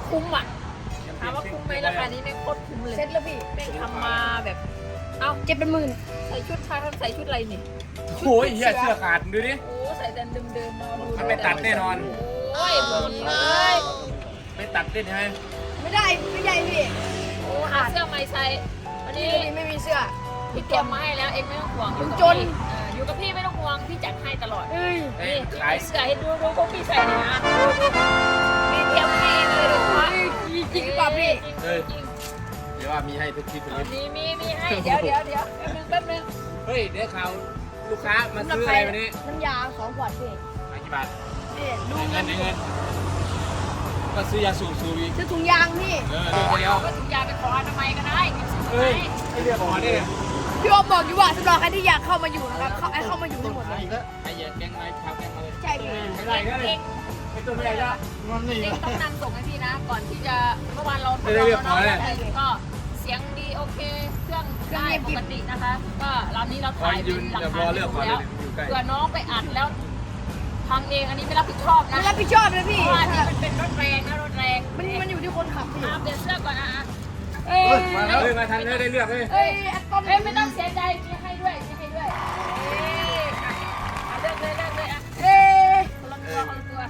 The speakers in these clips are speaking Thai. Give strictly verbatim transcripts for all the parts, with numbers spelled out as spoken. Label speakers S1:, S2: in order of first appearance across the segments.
S1: คุ้มอ่ะถามว่าคุ้มไหมราคานี้ไม่โคตรคุ้มเลย
S2: เซ็ตแล้วพี่
S1: เป็นทำมาแบบเอ้า
S2: เจ็ดเป็นหมื่น
S1: ใส่ชุดชายท่านใส่ชุดอะไรนี่
S3: โอ้ยเหี้ยเสื้อขาดดูดิ
S1: โอ้ใส่แต่เดิมๆมาดู
S3: มันไม่ตัดแน่นอน
S1: โอ้ยหมดเลย
S3: ไม่ตัดได้ใช่ไหม
S2: ไม่ได้ไม่ใหญ่พี่
S1: โอ้หาเสื้อใหม่ใส่วัน
S2: นี่
S1: นี้
S2: ไม่มีเสื้อ
S1: พี่เตรียมมาให้แล้วเองไม่ต้องห่วง
S2: ผม
S1: อยู่
S2: จ
S1: กับ
S2: น
S1: พี่เอออยู่กับพี่ไม่ต้องห่วงพี่จัดให้ตลอด
S2: เอ้ย
S3: เอ้ย
S1: นี่
S3: ขาย
S1: เสื้อให้ดูดูพวกพี่ใส่หน่อยนะดูดูพี่เตรียมให้เลยดูว่า
S2: จริงหรือเปล่าพี่
S3: เอ้ย
S1: จริง
S3: เดี๋ยวว่ามีให้ทุกคลิป
S1: ๆ
S3: เล
S1: เอา
S3: ย
S1: มีมีมีให้เดี๋ยวเดี๋ยวเดี๋ยวแป๊บนึงแป๊บนึง
S3: เฮ้ยเดี๋ยวข่าวลูกค้ามาซื้ออะไรวันนี้
S2: น้ำยาสองขวดพี่
S3: มากี่บาท
S2: นี่ดู
S3: เงินเงินก็ซื้อยาสูบสูบอีก
S2: ซื้อถุงยางพี่
S3: เออดูเดียว
S1: ก็ถุงยางไปขออนามัยก็ได้กินซื้อ
S3: เฮ้ย
S1: ไหม
S3: ไอเรียกขอเนี่ย
S2: พี่โอมบอกอยู่ว่าสำหรับใครที่อยากเข้ามาอยู่นะครับเข้าไอ้เข้ามาอยู่ทั้งหมดเลย
S3: ไอ้เหี้ยแกงไม้ชาวแกงมาเลย
S2: ใช่พี่
S3: ไม่ได้ก็เลยไอ้ตัวไม่ได้ก็มันนี่
S1: เองต้องนำส่งให้พี่นะ ก่อนที่จะเมื่อวานเราทด
S3: ได้
S1: ลอง
S3: เรียบร้
S1: แล้ว
S3: อย
S1: เนาะก็เสียงดีโอเค เครื่องได้ปกตินะคะ ก็รอบนี้เรา
S3: คอ
S1: ถ่าย ย
S3: ยื
S1: เป็น นหลัก
S3: เดี๋ยวร
S1: ฐา
S3: อน เลือกก่อน
S1: แล้ว
S3: อยู่ใกล้
S1: เผื่อน้องไปอัดแล้วพังเองอันนี้ไม่รับผิดชอบนะ
S2: ไม่รับผิดชอบนะ
S1: เพ
S2: พี่
S1: ราะว่านี่มันเป็นรถแรงนะรถแรง
S2: มันมันอยู่ที่คนขับพี่
S1: อาเปลี่ยนเสื้อก่อนนะอ่ะ
S2: เอ้ย
S3: มาแล้วมาทันได้เลือกเลย
S2: เอ้ยแอปต้น
S1: เอ้ยไม่ต้องเสียใจมีให้ด้วยมีให้ด้วยเอ้ยอ่ะอ่ะเลือกเลยเลือกเลยอ่ะ
S2: เอ้ย
S1: คนละตัวคนละตัว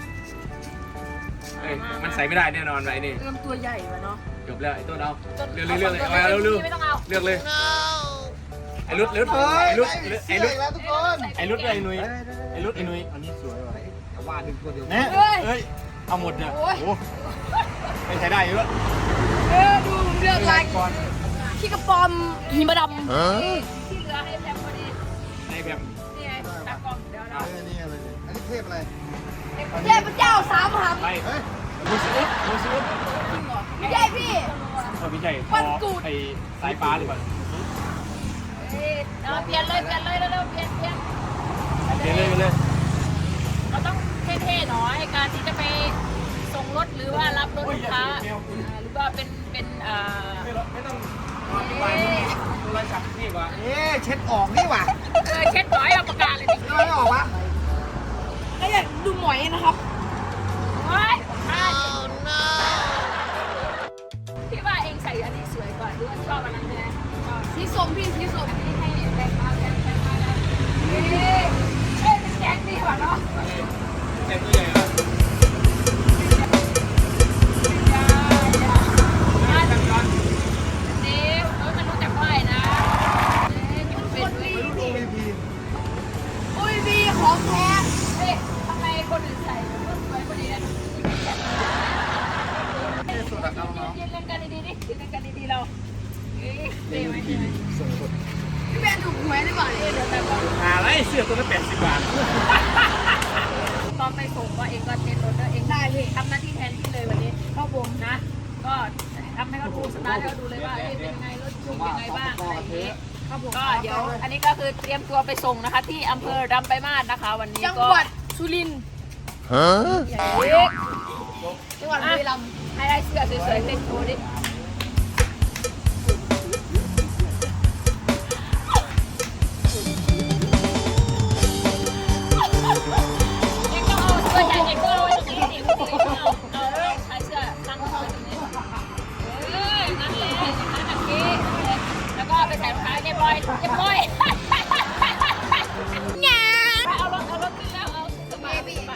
S3: เอ้ยมันใส่ไม่ได้แน่นอนไอ้นี่
S2: ลำตัวใหญ่วะเนาะ
S3: จบแล้วไอ้ต้นเอา
S1: จน
S3: เลือกเลือกเลยเอาเร็วเร็ว
S1: ไม่ต้องเอา
S3: เลือกเลยไอ้รุดรุดไอ้รุดไอ้รุด
S4: แล้วทุกคน
S3: ไอ้รุดไอ้นุ้ยไอ้รุดไอ้นุ้ย
S4: อันนี้สวยว่ะแต่ว่าดึงตัวเดียว
S3: เนี่ยเอ้ยเอาหมดเนี่ยโอ้ไม่ใช้ได้เยอะ
S2: เออดูผมเลือกลาย
S3: ก่อน
S2: ขี้กระปอมหิมะด
S1: ที่เหลือให้แพมพอดี
S3: ในแบบ
S1: นี่ไงตากล้องเดี๋ยว
S4: เอ
S1: เรา
S4: อนี่อะไรเนี่ยอันนี้เทพอะไร
S2: ำเทพเจ้าสามหำ
S3: ไป
S4: เฮ้ย
S3: มูซิอุสมูซิอุส
S2: ไม่ใช่พี่
S3: เออไม่ใช่คอไอ้สายฟ้าหรือเปล่า
S1: เอ้ยเอาเปลี่ยนเลยเปลี่ยนเลยเร็วๆเปลี่ยนเปลี่ยน
S3: เดี๋ยวเลยเลย
S1: เราต้องเท่ๆหน่อยการที่จะไปส่งรถหรือว่ารับรถลูกค้าอ่าหรือว่าเป็นเป็นอ่า
S3: ไม่ต้องวางโทรศัพท์นี่วะ
S4: เอ๊ะเช็ดออกนี่ว่ะ
S1: เออเช็ดหน่อยเอาปากกาเลยดิ
S4: ไม่ออกวะ
S2: ก็อยากดูหมอยนะครับ
S1: โอ้ยอ่าพี่ว่าเองใส่อันนี้สวยกว่าหรือว่าชอบอันนั้นใช่ไหมชอบ
S2: สีส้มพี่สีส้ม
S1: อันนี้ให้แรงมาแรงแรงมาแล้วเฮ้ยเฮ้ยเป็นแกงดีกว่าเนาะ
S3: แต่ตัวใหญ่อะ
S4: ไม่รู้ดูวีพี
S2: โอ้ยวีของแท้
S4: สุดอะเอาเนาะ
S1: ยืนเล่นกันดีๆดิยืนเล่นกันดีๆเราเอ้ยเท่ไหมเท่ไหม
S4: ส่งคน
S2: พี่แบนถูกหวยหรือเปล่าเนี่ย
S1: เดี๋ยวแต่ก่อน
S3: หาอะไรเสื้อตัวละแปดสิบบาท
S1: ตอนไปส่งก็เองก็เต้นรถด้วยเองได้พี่ทำหน้าที่แทนพี่เลยวันนี้เข้าผมนะ ก็ทำให้เขาดูสตาร์ทให้เขาดูเลยว่าเอ้ยเป็นยังไงรถขี่ยังไงบ้างอะไรอย่างนี้ก็เดี๋ยวอันนี้ก็คือเตรียมตัวไปส่งนะคะ ที่อำเภอดำไปมาศนะคะ วันนี้
S2: จัง
S1: ก็
S2: หวัดสุรินทร์
S4: ฮะ
S1: เฮ้ย
S2: จังหวัดบุรีรัมย์
S1: ให้ได้เสื้อสวยๆเต้นโชว์ดิเองต้องเอาเสื้อใหญ่เองก็เอาไว้ตรงนี้ดิเอาเอาเอาใช้เสื้อตั้งไว้ตรงนี้เออนั่นแหละนั่นแบบนี้แล้วก็ไปใส่รองเท้าเรียบร้อยเรียบร้อยงานเอารถเอารถขึ้นแล้วเอาสบาย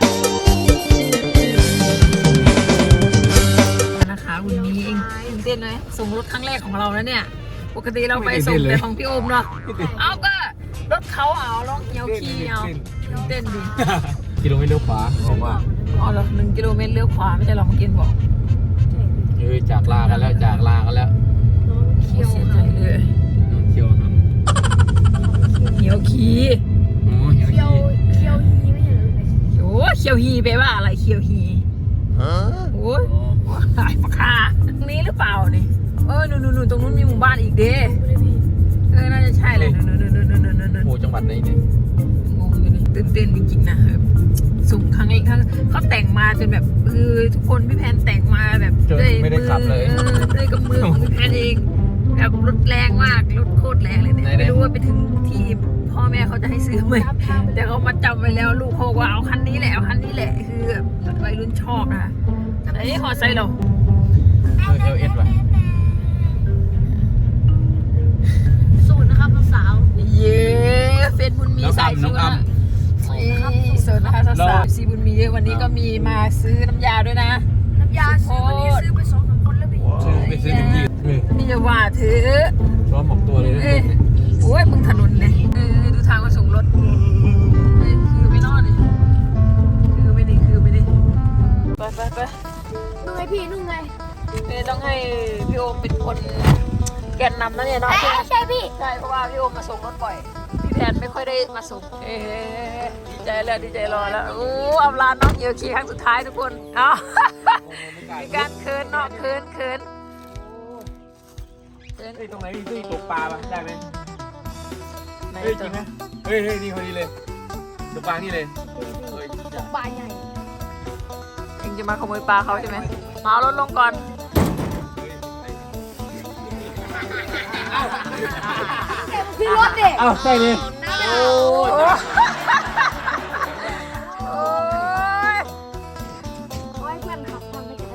S1: นะคะวันนี้เองตื่นเต้นไหมส่งรถครั้งแรกของเราแล้วเนี่ยปกติเราไปส่งแต่ของพี่โอมเนาะเอาก็รถเขาเอาลองเหี่ยวขี้เอาตื่นเต้นดิ
S3: กิโลเมตรเลี้ยวขวาบอกว่า
S1: อ๋อเหรอหนึ่งกิโลเมตรเลี้ยวขวาไม่ใช่หรอเมื่อกี้บอก
S3: เออจากลากันแล้วจากลากันแล้ว
S1: เขียวเสียใจเลย
S3: เขียวหำ
S1: เหี่ยวขี้
S3: อ๋อเขียว
S2: เคียวเคียวฮีไม่ใช่เหรอพี่
S1: โอ้เขียวฮีแปลว่าอะไรเขียวฮี
S4: ฮะ
S1: โอ้ยหายปากกาตรงนี้หรือเปล่านี่เออนู่นนู่นตรงนู้นมีหมู่บ้านอีกเด้เออน่าจะใช่เลยนู่นนู่นนู่นนู่นนู่นนู่น
S3: โอ้จังหวัดไหนเนี่ย
S1: งงอยู่เลยตื่นเต้นจริงๆนะแบบสุ่มครั้งเองครั้งเขาแต่งมาจนแบบเออทุกคนพี่แพนแต่งมาแบบด้วยมือเออด้วยกับมือของพี่แพนเองแบบรถแรงมากรถโคตรแรงเลยเนี่ยไม่รู้ว่าไปถึงที่พ่อแม่เขาจะให้ซื้อไหมแต่เขามาจำไว้แล้วลูกเขาว่าเอาคันนี้แหละเอาคันนี้แหละคือแบบวัยรุ่นชอบนะไอ้หอไซเรา
S3: เอลเอสว่ะ
S2: สูตรนะครับสาว
S1: เย้เฟซบุญมีสายชิวนะสดนะคะสาวๆซีบุญมีวันนี้ก็มีมาซื้อน้ำยาด้วยนะ
S2: น้ำยาซื้อวันนี้ซื้อไปสองสามคนแล้วพี่
S3: ซื้อไปซื้อถึงที่เออ
S1: นี่จะว่าถือ
S3: ร้อนหมกตัวเลยนะ
S1: เอ้ยโอ้ยมึงถนนเลยเออดูทางมาส่งรถเฮ้ยคือไม่นอนเลยคือไม่ดีคือไม่ดีไปไปไป
S2: นุ่งไงพี่นุ่งไง
S1: เอ้ยต้องให้พี่โอมเป็นคนแกนนำนะเนี่ยเนาะ
S2: เอ้ยใช่พี่
S1: ใช่เพราะว่าพี่โอมมาส่งรถบ่อยพี่แพนไม่ค่อยได้มาส่งเอ้ยดีใจแล้วดีใจรอแล้วโอ้เอาลานน้องเยอะขี่ครั้งสุดท้ายทุกคนเอ้ามีการเคินเนาะเคินเคินเคิน
S3: เฮ้ยตรงไหนมีที่ตกปลาป่ะได้ไหม
S1: ไหน
S3: เฮ้ยจริงไหมเฮ้ยเฮ้ยนี่พอดีเลยตกปลานี่เลยเฮ้ย
S2: ปลาใหญ่
S1: เองจะมาขโมยปลาเขาใช่ไหมมาเอารถลงก่อน
S2: พี่รถเด็ก
S3: อ้าวใช่เลย
S1: โอ้ยโอ้ย
S2: ไว้เพื่อนขับทำไปกัน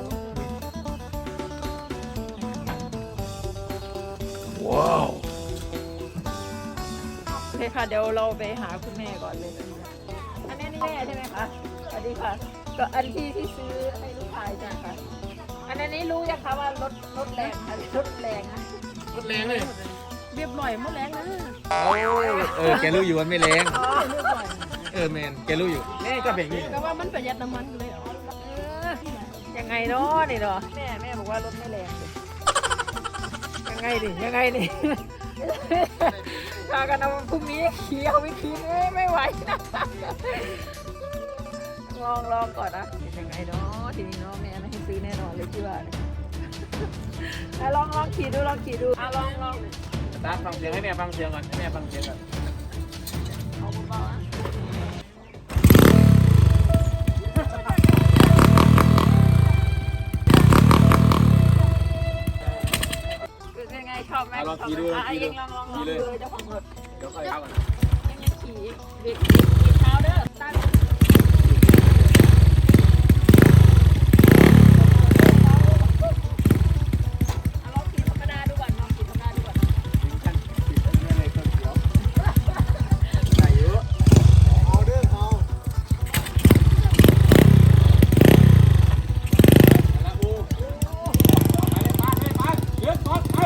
S3: ว้าว
S1: โอเคค่ะเดี๋ยวเราไปหาคุณแม่ก่อนเลยอันนี้นี่แม่ใช่ไหมคะสวัสดีค่ะก็อันที่ที่ซื้อให้ลูกชายจ้ะค่ะอันนี้รู้ยังคะว่ารถรถแรงค่ะรถแรงนะ
S3: รถแรงเลย
S1: เรียบร้อยหมดแรงนะ
S3: โอ้ยเออแกรู้อยู่ว่าไม่แรง
S1: อ๋อเรียบร้อย
S3: เออแมนแกรู้อยู่แม่ก็แบบนี้
S1: ก็ว่ามันประหยัดน้ำมันเลยเหรอเออยังไงเนาะนี่เนาะแม่แม่บอกว่ารถไม่แรงเลยยังไงดิยังไงดิถ้ากันเอาพรุ่งนี้ขี่เอาไปขี่เอ้ยไม่ไหวนะลองลองก่อนนะเป็นยังไงเนาะทีนี้เนาะแม่ไม่ให้ซื้อแน่นอนเลยที่ว่าเนี่ยอ่ะลองลองขี่ดูลองขี่ดูอ่ะลองลอง
S3: ตาฟังเสียงให้แม่ฟังเสียงก่อนให้แม่ฟังเสียงก่อน
S1: เอาเบาๆนะเป็นยังไงชอบไหม
S3: ลองขี่ดูลอง
S1: อ่ะ
S3: ขี่ดู
S1: เองลองลองลอง
S3: ขี่
S1: ดู
S3: เลย
S1: เจ้าของรถ
S3: เดี๋ยวค่อยเข้ากัน
S1: ยังยังขี่เด็กขี่เท้าเด้อตั้งเอาลองขี่ธรรมดาดูก่อนลองขี่ธรรมดาดูก่อน
S3: ขั้นติดอันนี้เลยต้นเขียวใส่เยอะ
S4: เอาเด้อเอา
S3: แล้วโอ้ไปเลยไปไปไปเยอะก่อนไป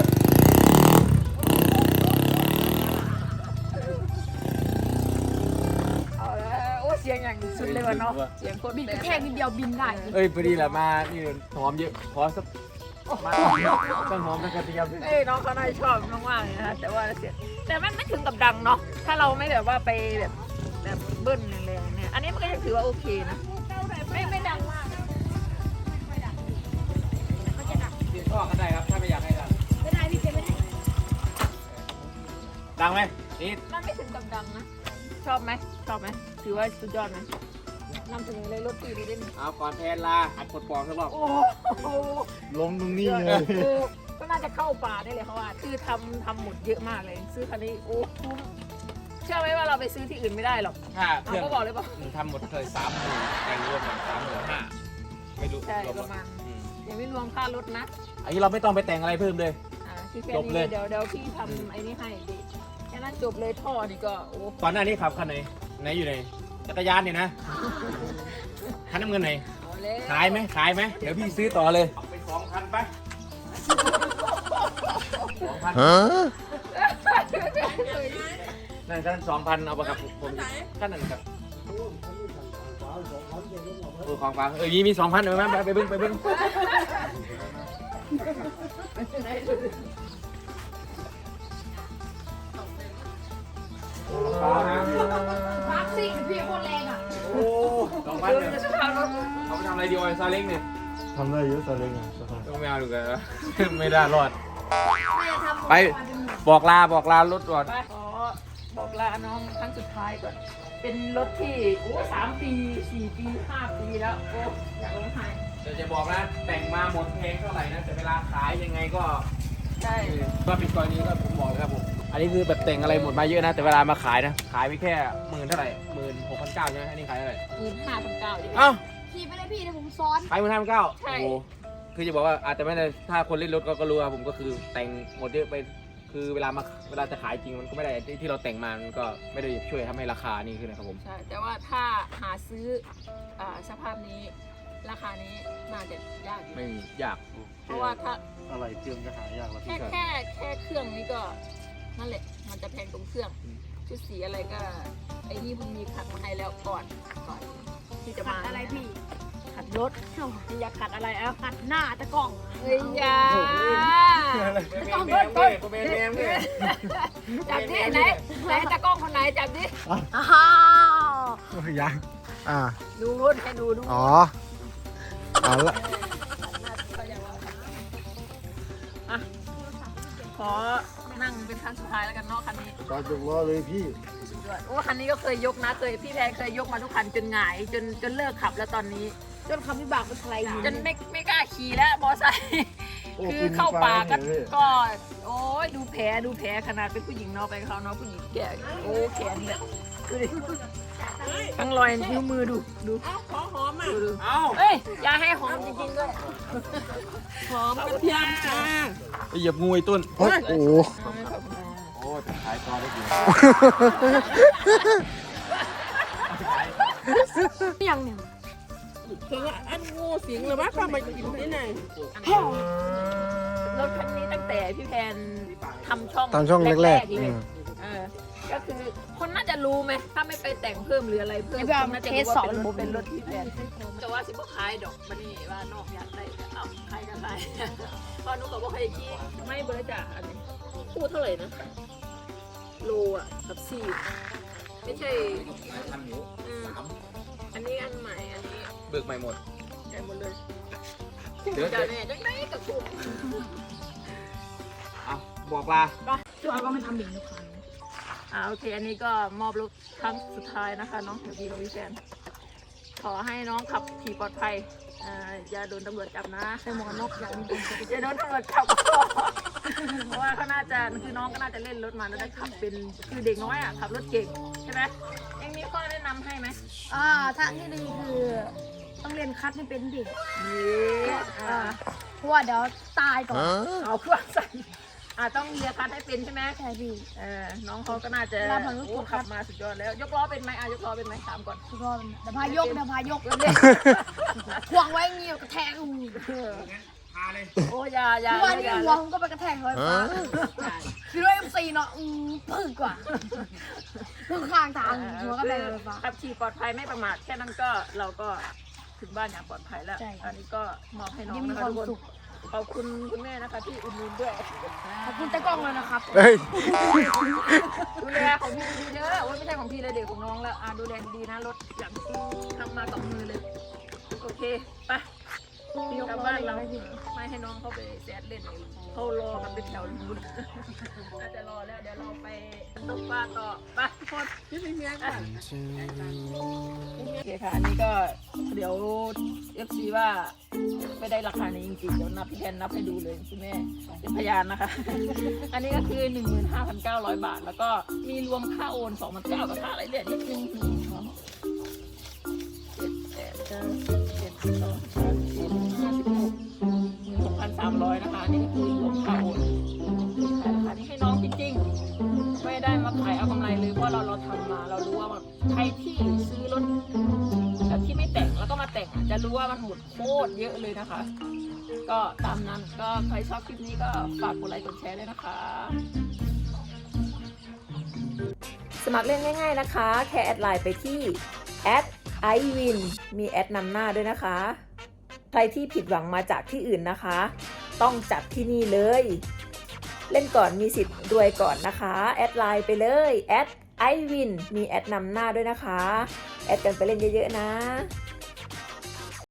S1: เอาแล้วโอ้เสียงอย่างสุดเลยว่ะเนาะเสียงโคตร
S2: บิน
S1: แรง
S2: แค่นิดเดียวบินได้
S3: เอ้ยพอดีแหละมานี่หอมเยอะขอสักมาต้นหอมต้นกระเทียม
S1: เอ้ยน้องเขาน่าจะชอบมากๆเลยนะแต่ว่าเสียงแต่มันไม่ถึงกับดังเนาะถ้าเราไม่แบบว่าไปแบบแบบเบิ้ลแรงๆเนี่ยอันนี้มันก็ยังถือว่าโอเคนะไม่ไม่ดังมาก
S3: กินข้อกันได้ครับถ้าไม่อยากให้ดัง
S2: ไม่ได้พี่เจไม่ได้
S3: ดังไหมนี่
S1: มันไม่ถึงกับดังนะ ชอบไหมชอบไหมถือว่าสุดยอดไหมนำเสนอเลยรถตีนี้ได้ไหม
S3: เอาก่อนแทนลาอัดปลดปลอกสักรอบ
S1: โอ้โห
S3: ลงตรงนี้เลย
S1: คือก็น่าจะเข้าป่าได้เลยเขาว่าคือทำทำหมดเยอะมากเลย ซื้อคันนี้โอ้คุ้มเชื่อไหมว่าเราไปซื้อที่อื่นไม่ได้หรอก
S3: ถ้าเค
S1: เอา
S3: รื่อง
S1: ก็บอกเลยป่ะ
S3: ทำหมดเคยสามหมื่นแต่รวมกันสามหมื่นห้าไม่รู้
S1: ใช่
S3: รวม
S1: ประมาณ
S3: อืม
S1: ยังไม่รวมค่ารถนะ
S3: อันนี้เราไม่ต้องไปแต่งอะไรเพิ่มเลย
S1: อ่าที่แค่
S3: จบเล
S1: นี้
S3: ย
S1: เดี๋ยวเดี๋ยวพี่ทำไอ้นี่ให้ดิแค่นั้นจบเลยท่อนี่ก็โอ้
S3: ก่อนหน้านี้ขับคันไหนไหนอยู่ไหนจักรยานเนี่ยนะคันน้ำเงินไหน
S1: เอาเลย
S3: ขายไหมขายไหมเดี๋ยวพี่ซื้อต่อเลยเอาไปสองพันไปสองพัน
S4: Huh?
S3: นั่นคันสองพันเอาไปกับผมคันนั้นครับเออของฟังเออยี่มีสองพันเออไปไปเบิ้งไปเบิ้ง
S2: พักซิ่งพี่โคตรแรงอ่ะ
S3: โอ้สองพันเนี่ยเอาไปทำอะไรดีวะซาเล้งเนี่ย
S4: ทำได้เยอะซาเล้งอ่ะ
S3: ต้องไม่เอาดูกันนะ ไม่ได้รอด
S2: แม่ทำ
S3: ไปบอกลาบอกลารถก่อน
S1: ไปขอบอกลาน้องครั้งสุดท้ายก่อน เป็นรถที่โอ้สามปีสี่ปีห้าปีแล้วโอ้อยากร้องไห้
S3: เดี๋ยวจะบอกนะแต่งมาหมดเพลงเท่าไหร่นะแต่เวลาขายยังไงก็
S1: ใช่
S3: ก็เป็นกรณีก็ผมบอกเลยครับผมอันนี้คือแบบแต่งอะไรหมดมาเยอะนะแต่เวลามาขายนะขายไปแค่หมื่นเท่าไหร่หมื่นหกพันเก้าใช่ไหมอันนี้ขายเท่าไหร่
S1: หมื่นห้าพันเก้าอยู่
S3: เอ้า
S2: ขี่ไปเลยพี่เดี๋ยวผมซ้อน
S3: ไปหมื่นห้าพันเก้า
S1: ใช่
S3: โอ้โหคือจะบอกว่าอาจจะไม่ได้ถ้าคนเล่นรถก็ก็รู้ครับผมก็คือแต่งหมดเยอะไปคือเวลามาเวลาจะขายจริงมันก็ไม่ได้ที่ที่เราแต่งมามันก็ไม่ได้ช่วยทำให้ราคานี่ขึ้นนะครับผม
S1: ใช่แต่ว่าถ้าหาซื้ออ่าสภาพนี้ราคานี้น่าจะยากอยู่
S3: ไม่มียาก
S1: เพราะว่าถ้า
S4: อะไรเครื่องก็หายากแล้ว
S1: แค่
S4: พี่
S1: แค่แค่เครื่องนี้ก็นั่นแหละมันจะแพงตรงเครื่องชุดสีอะไรก็ไอ้นี่มันมีขัดมาให้แล้วก่อนก่อนที่จะ
S2: ขั
S1: มา
S2: ดอะไรพี่
S1: ขัดรถพี่อยากขัดอะไรเอ้า
S2: ขัดหน้าตะกล้อง
S1: เฮ้ยอยา
S3: ต้องเบิ้ลเบิ้ลเบิ้ลเบิ้ล
S1: จับดิไหนไหนตากล้องคนไหนจับดิ
S2: อ้าว
S4: ยังอ่า
S1: ดูนให้ดูดู
S4: อ๋อเอาละ
S1: อ่ะขอนั่งเป็นครั้งสุดท้ายแล้วกันเนาะคันนี้
S4: ตอนยกล้อเลยพี่
S1: โอ้คันนี้ก็เคยยกนะเคยพี่แพนเคยยกมาทุกคันจนหงายจนจนเลิกขับแล้วตอนนี้
S2: จนคำวิบากมันอะไรอยู่
S1: จนไม่ไม่กล้าขี่แล้วมอไซค์
S4: โอ้
S1: คือเข้าป่าก็
S4: ปีนป่าเนี่ย
S1: ก็โอ้ยดูแผลดูแผลขนาดเป็นผู้หญิงเนาะไปกับเขาเนาะผู้หญิงแก่โอ้แขนเนี่ยดูดิทั้งรอยนิ้วมือดูดูขอหอมอ่ะดูดู
S3: เอ้า
S1: เอ้ยอย่าให้หอมจริงๆด้วยหอมกระเทียมจ้า
S3: ไปเหยียบงูไอ้ต้น
S4: โอ้โห
S3: โอ้จะขายต่อได้ดี
S2: ยังเนี่ย
S5: คือว่าอันงูสิงหรือว่าเข้ามากินที่ไหน
S1: รถคันนี้ตั้งแต่พี่แพนทำช่อง
S4: ตามช่องแรก
S1: ๆ
S4: ๆ
S1: เล
S4: อื
S1: ย
S4: ม
S1: เออก็คือคนน่าจะรู้ไหมถ้าไม่ไปแต่งเพิ่มหรืออะไรเพิ่ม
S2: เดี๋ยวไปเอา
S1: คนน่าจะ
S2: เทส
S1: รู้
S2: ส
S1: ว่า
S2: อน
S1: เป็นร
S2: ผ
S1: ถ
S2: ม
S1: เป็นรถพี่แพนแต่ว่าสิบ่ขายดอกบันนี้ว่านอกอยากได้ก็เอาใครกันไปพอนุก็บอกให้กี้ไม่เบอร์จ่าอันนี้พูดเท่าไหร่นะโลอ่ะกับสี่ไม่ใช่
S3: ทันอยู่
S1: อืมอันนี้อันใหม่อันนี้
S3: เบิกใหม่หมด
S1: ใหญ่หมดเลย
S3: เดี๋ยว
S1: จะแน่จังไดกับถูก
S3: เอาบอกลา
S2: เราก็ไม่ทำอย่างนี้ทุกครั้ง
S1: อ่าโอเค อันนี้ก็มอบรถครั้งสุดท้ายนะคะน้องเดี๋ยวพี่กับพี่แฟนขอให้น้องขับขี่ปลอดภัยอ่าอย่าโดนตำรวจจับนะ
S2: ใส่หมวกกันน็อกอย่างนี้
S1: อย่าโดนตำรวจจับ เพราะว่าเขาน่าจะคือน้องก็น่าจะเล่นรถมาแล้วได้ขับเป็นคือเด็กน้อยอ่ะขับรถเก่งใช่ไหมเอ็งมีข้อแนะนำให้ไหม
S2: อ่าทางที่ดีคือต้องเรียนคัดให้เป็นดิ
S1: นี่อ่า
S2: เพราะว่าเดี๋ยวตายก่อน
S1: เอาเครื่องใส่อ่าต้องเรียนคัดให้เป็นใช่ไหม
S2: ใช่พี่
S1: เออน้องเขาก็น่าจะ
S2: เราผ่านรถ
S1: โอ้
S2: กดครั
S1: ขั
S2: บ
S1: บมาสุดยอดแล้ว ยกล้อเป็นไหมอ่ะยกล้อเป็นไหมถามก่อน
S2: ทุกคนเดี๋ยวพายกเดี๋ยวพายก
S1: เล่น
S2: ห่วงไว้เงี้ยกระแทกอู
S3: พาเลย
S1: โอ้ยาอยา
S2: ทุกวัน
S1: อ
S2: นี้
S1: ย่า
S2: หัวผมก็ไปกระแทกเลยฟ้าคือด้วยเอ็มซีเนาะอืมพึ่งกว่าพึ่งข้างทางหัวก็แตกเลยฟ้า
S1: ขับขี่ปลอดภัยไม่ประมาทแค่นั้นก็เราก็ถึงบ้านอย่างปลอดภัยแล้ว
S2: ใช่
S1: อันนี้ก็มอบให้น้อง
S2: ยิ่งมี
S1: นะ
S2: ค
S1: คะ
S2: วาม
S1: ทุกคน
S2: สุข
S1: ขอบคุณคุณแม่นะคะที่อุดหนุนด้วย
S2: ขอบคุณตะกล้องเลยนะครับ
S4: เฮ้ย
S1: ดูแลของพี่ดีๆเด้อโอ้ยไม่ใช่ของพี่เลยเด็กของน้องแล้วอ่ะดูแลดีๆนะรถอย่างที่ทำมากับมือเลยโอเคไปกลับบ้านเราไม่ให้น้องเข้าไปแซดเล่นเลยเขารอกันเป็นแถวนู้นน่าจะรอแล้วเดี๋ยวเราไปตกปลาต่อไปทุกคนที่เป็นเมียกันโอเคค่ะอันนี้ก็เดี๋ยวเอฟซีว่าไม่ได้ราคานี้จริงๆเดี๋ยวนับพี่แทนนับให้ดูเลยคุณแม่เป็นพยานนะคะ อันนี้ก็คือ หนึ่งหมื่นห้าพันเก้าร้อย บาท แล้วก็มีรวมค่าโอน สองพันเก้าร้อย กับค่าอะไรเนี่ยนิดนึงเจ็ดแปดเก้าสิบเจ็ดสิบสองสิบสามสิบสี่สิบห้าสิบหกหกพันสามร้อยนะคะอันนี่ก็คือรวมค่าโอนขายราคานี้ให้น้องจริงๆไม่ได้มาขายเอากำไรเลยเพราะเราเราทำมาเรารู้ว่าใครที่ซื้อรถแบบที่ไม่แต่งแล้วก็มาแต่งอ่ะจะรู้ว่ามันหมดโคตรเยอะเลยนะคะ ก็ตามนั้นก็ใครชอบคลิปนี้ก็ฝากกดไลค์กดแชร์ด้วยนะคะ สมัครเล่นง่ายๆนะคะ แค่แอดไลน์ไปที่ แอด ไอวิน มีแอดนำหน้าด้วยนะคะ ใครที่ผิดหวังมาจากที่อื่นนะคะ ต้องจัดที่นี่เลย เล่นก่อนมีสิทธิ์รวยก่อนนะคะ แอดไลน์ไปเลย แอด ไอวิน มีแอดนำหน้าด้วยนะคะ แอดกันไปเล่นเยอะๆนะ